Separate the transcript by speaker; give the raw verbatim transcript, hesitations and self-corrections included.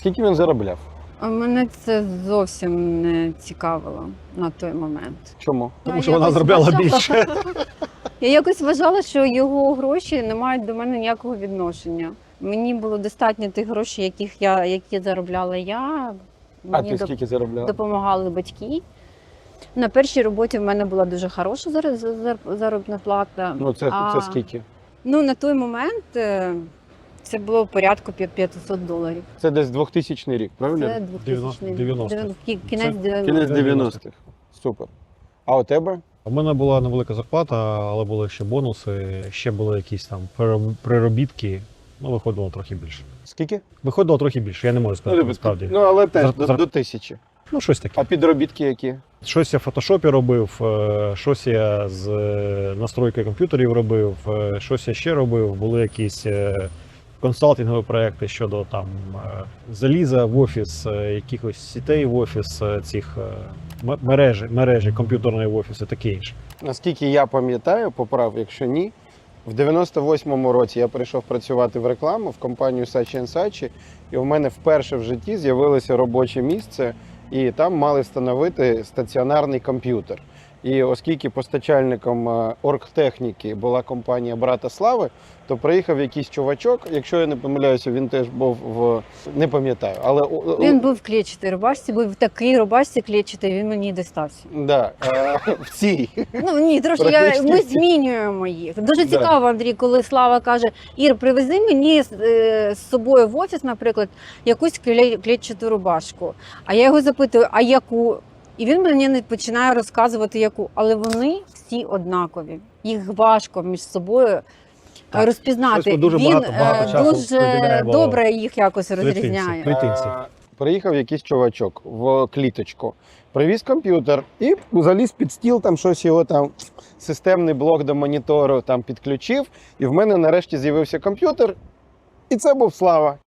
Speaker 1: Скільки він заробляв?
Speaker 2: А мене це зовсім не цікавило на той момент.
Speaker 1: Чому?
Speaker 3: Тому
Speaker 2: Я
Speaker 3: що вона
Speaker 2: якось
Speaker 3: заробляла
Speaker 2: вважала-
Speaker 3: більше.
Speaker 2: Я якось вважала, що його гроші не мають до мене ніякого відношення. Мені було достатньо тих грошей, яких я, які заробляла я.
Speaker 1: А
Speaker 2: Мені
Speaker 1: ти
Speaker 2: доп-
Speaker 1: скільки заробляв?
Speaker 2: допомагали батьки. На першій роботі в мене була дуже хороша зар- зар- заробітна плата.
Speaker 1: Ну це,
Speaker 2: А,
Speaker 1: це скільки?
Speaker 2: Ну, на той момент е, це було порядку п'я- п'ятсот доларів.
Speaker 1: Це десь двохтисячний рік, правильно?
Speaker 2: Це двохтисячний
Speaker 3: дев'яностих.
Speaker 2: дев'ян- кі- кінець
Speaker 3: Це
Speaker 2: дев'яностих.
Speaker 1: Кінець дев'яностих. Супер. А у тебе?
Speaker 3: У мене була невелика зарплата, але були ще бонуси, ще були якісь там перероб- приробітки. Ну, виходило трохи більше.
Speaker 1: Скільки?
Speaker 3: Виходило трохи більше, я не можу сказати
Speaker 1: Ну,
Speaker 3: насправді.
Speaker 1: ну але теж
Speaker 3: Зар-
Speaker 1: до,
Speaker 3: зар-
Speaker 1: до тисячі.
Speaker 3: Ну, щось таке.
Speaker 1: А підробітки які?
Speaker 3: Щось я в фотошопі робив, е, щось я з е, настройки комп'ютерів робив, е, щось я ще робив. Були якісь е, консалтингові проекти щодо там е, заліза в офіс, е, якихось сітей в офіс, е, цих е, м- мережі, мережі комп'ютерної в офіс і таке інше.
Speaker 1: Наскільки я пам'ятаю, поправ, якщо ні, в дев'яносто восьмому році я прийшов працювати в рекламу в компанію Saatchi енд Saatchi, і в мене вперше в житті з'явилося робоче місце, і там мали встановити стаціонарний комп'ютер. І оскільки постачальником е, оргтехніки була компанія Брата Слави, то приїхав якийсь чувачок, якщо я не помиляюся, він теж був в не пам'ятаю, але о-
Speaker 2: Він був в клетчатій рубашці, був в такій рубашці клетчатій, він мені достався.
Speaker 1: да, е, в цій.
Speaker 2: Ну ні, трошки я,
Speaker 1: Практично
Speaker 2: ми
Speaker 1: всі.
Speaker 2: змінюємо їх. Дуже
Speaker 1: Да.
Speaker 2: цікаво, Андрій, коли Слава каже: Ір, привези мені е, з собою в офіс, наприклад, якусь кле- клетчату рубашку. А я його запитую, а яку? І він мені не починає розказувати, яку. Але вони всі однакові. Їх важко між собою
Speaker 3: Так.
Speaker 2: розпізнати.
Speaker 3: Щось ми дуже
Speaker 2: він
Speaker 3: багато- багато
Speaker 2: е,
Speaker 3: часу
Speaker 2: дуже
Speaker 3: приділяємо
Speaker 2: добре їх якось
Speaker 3: клітинці.
Speaker 2: розрізняє.
Speaker 3: Клітинці.
Speaker 1: Е, Приїхав якийсь чувачок в кліточку, привіз комп'ютер і заліз під стіл, там щось його там, системний блок до монітору там підключив, і в мене нарешті з'явився комп'ютер, і це був Слава.